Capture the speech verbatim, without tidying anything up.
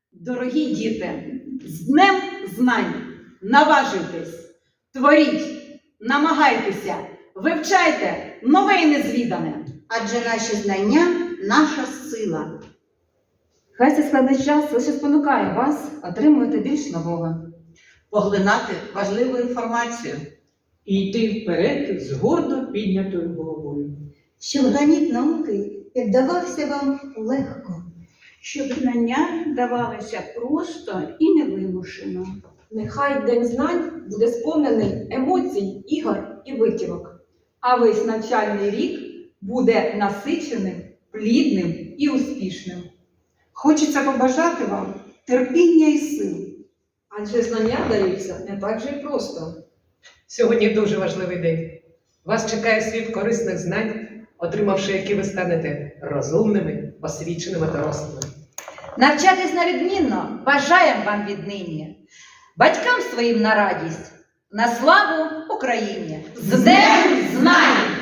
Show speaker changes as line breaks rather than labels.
Дорогі діти, з Днем знань! Наважуйтесь, творіть, намагайтеся, вивчайте нове і незвідане.
Адже наші знання – наша сила.
Хай цей складний час лише спонукає вас отримувати більш нового.
Поглинати важливу інформацію.
І йти вперед з гордо піднятою головою.
Щоб граніт науки піддавався вам легко.
Щоб знання давалися просто і невимушено.
Нехай День знань буде сповнений емоцій, ігор і витівок.
А весь навчальний рік буде насиченим, плідним і успішним.
Хочеться побажати вам терпіння і сил.
Адже знання даються не так же й просто.
Сьогодні дуже важливий день. Вас чекає світ корисних знань, отримавши які ви станете розумними, освіченими дорослими.
Навчатись на відмінно бажаємо вам віднині. Батькам своїм на радість, на славу Україні! З Днем знань!